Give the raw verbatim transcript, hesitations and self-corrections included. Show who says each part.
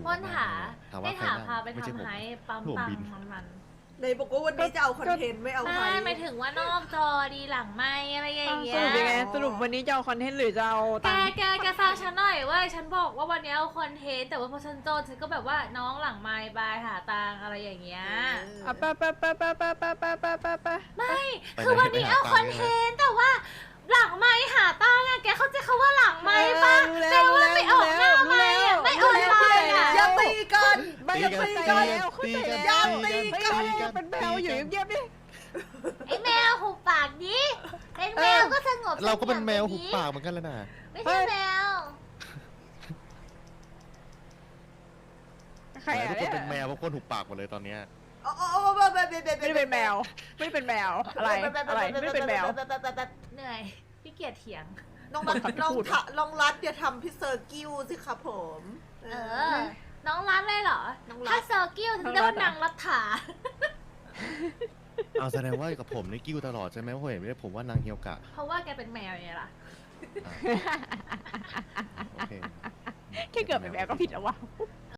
Speaker 1: ปล้นหา
Speaker 2: ถาม
Speaker 1: ให้
Speaker 2: ว่าใคร
Speaker 1: ถาม
Speaker 2: นั่ง
Speaker 1: พาไป
Speaker 2: ไม่ใช่
Speaker 1: ทำ
Speaker 2: ผม
Speaker 1: ไฮปั๊ม
Speaker 2: ผม
Speaker 1: ตัง
Speaker 2: บิน
Speaker 1: ค์มันมัน
Speaker 3: ในบอกว่าวันนี้จะเอาคอนเทนต์ไม่เอา
Speaker 1: ไม่
Speaker 3: ไทย
Speaker 1: หมายถึงว่านอกจอดีหลังไม่อะไรอย่างเงี้
Speaker 4: ส
Speaker 1: ย
Speaker 4: รุปยังไงสรุปวันนี้จะเอาคอนเทนต์หรือจะเอา
Speaker 1: แก
Speaker 4: ตังค์
Speaker 1: แกแกฟังฉันหน่อยเว่าฉันบอกว่าวันนี้เอาคอนเทนต์แต่ว่าพอฉันโจนฉันก็แบบว่าน้องหลังไม้บายหาตังค์อะไรอย่างเงี้ย
Speaker 4: อ่ะไปไปไปไปไปไปไปไปไปไป
Speaker 1: ไม่
Speaker 2: ไป
Speaker 1: คือวันนี้
Speaker 2: ไปหา
Speaker 1: เอา
Speaker 2: ตั
Speaker 1: ค
Speaker 2: ง
Speaker 1: อ
Speaker 2: ค์
Speaker 1: น
Speaker 2: ใช่
Speaker 1: เท
Speaker 2: ไหม
Speaker 1: นต์แต่ว่าหลังไม้หาตังค์อะแกเข้าใจคำว่าหลังไม้ปะ
Speaker 4: รู้
Speaker 1: แปล
Speaker 4: แล้วรู้
Speaker 1: ว่า
Speaker 4: แล้ว
Speaker 1: ไม่ออกหน้าไม้อะไม่ออนไลน์อะ
Speaker 3: อย่าตีกัน
Speaker 4: ไม่
Speaker 3: อย่า
Speaker 4: เข้า
Speaker 3: ตี
Speaker 4: ใจ
Speaker 3: กัน
Speaker 4: แล้วเข้าใจ
Speaker 2: ตีกัน
Speaker 4: แล้ว
Speaker 3: ตีกัน
Speaker 4: เฮ้ยเป็นแมวอยู่เงียบๆดิ
Speaker 1: ไอ้แมวหุบปากดิเป็นแมวก็สงบ
Speaker 2: เราก็เป็นแมวหุบ
Speaker 1: ดิ
Speaker 2: ปากเหมือนกันแล้วนะ
Speaker 1: ไม่ใช่แมว
Speaker 4: ใคร
Speaker 2: ทุ
Speaker 4: อ่ะ
Speaker 2: กค
Speaker 4: เนี่
Speaker 2: น
Speaker 4: ย
Speaker 2: เป็นแมวเพราะคนหุบปากหมดเลยตอนเนี้ย
Speaker 3: โอ้โอ้โอ้ไม่ไม่ไม่
Speaker 4: ไม่ได้เป็นแมว ไม่ได้เป็นแมวอะไรอะไรไม่ได้เป็นแมว
Speaker 1: เหนื่อยพี่เกียจเถียง
Speaker 3: น้องรัดน้องทะน้องรัดอย่าทำพี่เซอร์กิ้วสิครับผม
Speaker 1: เออ น้องรัดเลยเหรอ
Speaker 3: น้องรัฐ
Speaker 1: ถ้าเซอร์กิ้วจะเรียกว่านางรัฐา
Speaker 2: เอาแสดงว่ากับผมนี่กิ้วตลอดใช่ไหมเพราะเห็นไม่ได้ผมว่านางเฮียวกะ
Speaker 1: เพราะว่าแกเป็นแมวไงล่ะ
Speaker 2: อ่ะโอเค
Speaker 4: แค่เกิดเป็นแมวก็ผิดแล้ววะ